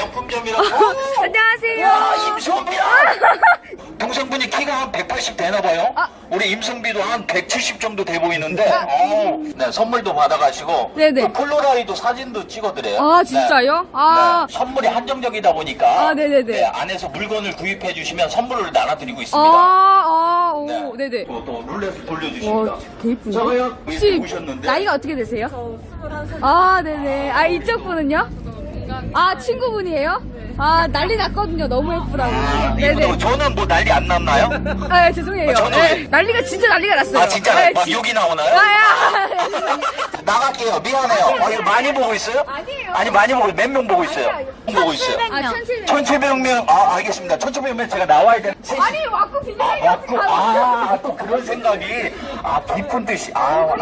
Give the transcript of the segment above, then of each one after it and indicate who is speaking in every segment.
Speaker 1: 명품점이라고.
Speaker 2: 안녕하세요.
Speaker 1: 와, 임성비야. 동생분이 키가 한 180 되나 봐요. 우리 임성비도 한 170 정도 돼 보이는데. 네, 선물도 받아가시고.
Speaker 2: 네네.
Speaker 1: 그 폴로라이드 사진도 찍어드려요.
Speaker 2: 아, 진짜요? 아.
Speaker 1: 네, 선물이 한정적이다 보니까.
Speaker 2: 아, 네네네.
Speaker 1: 네, 안에서 물건을 구입해 주시면 선물을 나눠드리고 있습니다.
Speaker 2: 오,
Speaker 1: 네.
Speaker 2: 네네.
Speaker 1: 또 룰렛을 돌려주십니다.
Speaker 2: 와, 되게 이쁜데?
Speaker 1: 저거요?
Speaker 2: 혹시
Speaker 1: 보셨는데?
Speaker 2: 나이가 어떻게 되세요? 저 21살. 아, 네네. 아, 이쪽 분은요? 아, 친구분이에요? 아, 난리 났거든요. 너무 예쁘다고.
Speaker 1: 이분도 저는 뭐 난리 안 났나요?
Speaker 2: 아, 죄송해요.
Speaker 1: 저는
Speaker 2: 네, 난리가 진짜 난리가 났어요.
Speaker 1: 아, 진짜
Speaker 2: 네,
Speaker 1: 막 욕이 나오나요?
Speaker 2: 아,
Speaker 1: 나갈게요. 미안해요. 이거 많이 보고 있어요?
Speaker 2: 아니에요.
Speaker 1: 아니, 많이 보고, 몇 명 보고 있어요? 보고 있어요.
Speaker 2: 아, 1700.
Speaker 1: 1700명, 아, 알겠습니다. 1700명 제가 나와야 되는.
Speaker 2: 아니, 와꾸 비밀이
Speaker 1: 맞고, 또 그런 생각이, 깊은 뜻이,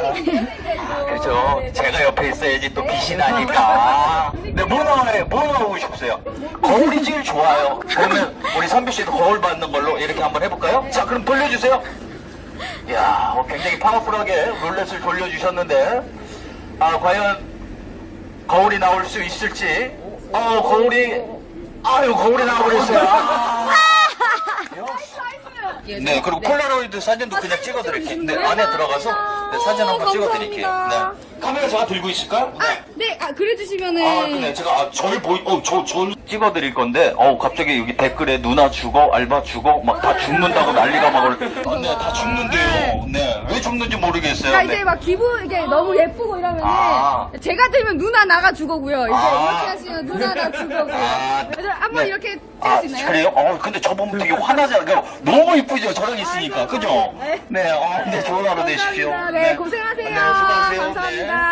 Speaker 1: 그죠. 제가 옆에 있어야지 또 빛이 나니까. 네, 뭐 나오고 싶으세요? 거울이 제일 좋아요. 그러면 우리 선비 씨도 거울 받는 걸로 이렇게 한번 해볼까요? 자, 그럼 돌려주세요. 이야, 굉장히 파워풀하게 룰렛을 돌려주셨는데, 과연 거울이 나올 수 있을지. 거울이 나와버렸어요. 네, 그리고 폴라로이드 사진도 그냥 찍어드릴게요. 네, 안에 들어가서 사진 한번 찍어드릴게요. 네. 카메라 제가 들고 있을까요? 네.
Speaker 2: 네, 그래주시면은.
Speaker 1: 근데 제가 저를 저 찍어드릴 건데, 갑자기 여기 댓글에 누나 죽어, 알바 죽어, 막 다 죽는다고 난리가 막 네, 다 죽는데요. 네, 왜 죽는지 모르겠어요.
Speaker 2: 그러니까
Speaker 1: 네.
Speaker 2: 이제 막 기분, 이게 너무 예쁘고 이러면은.
Speaker 1: 아.
Speaker 2: 제가 들면 누나 나가 죽어고요. 이제
Speaker 1: 아.
Speaker 2: 이렇게 하시면 누나 나 죽어고요. 그래서 한번
Speaker 1: 네.
Speaker 2: 이렇게 찍을 수 있나요?
Speaker 1: 그래요? 근데 저 보면 되게 화나잖아요. 그러니까 너무 이쁘죠? 저랑 있으니까. 그죠?
Speaker 2: 네.
Speaker 1: 네, 네, 좋은 하루 되십시오.
Speaker 2: 감사합니다. 네, 고생하세요.
Speaker 1: 네, 수고하세요.
Speaker 2: 감사합니다.
Speaker 1: 네.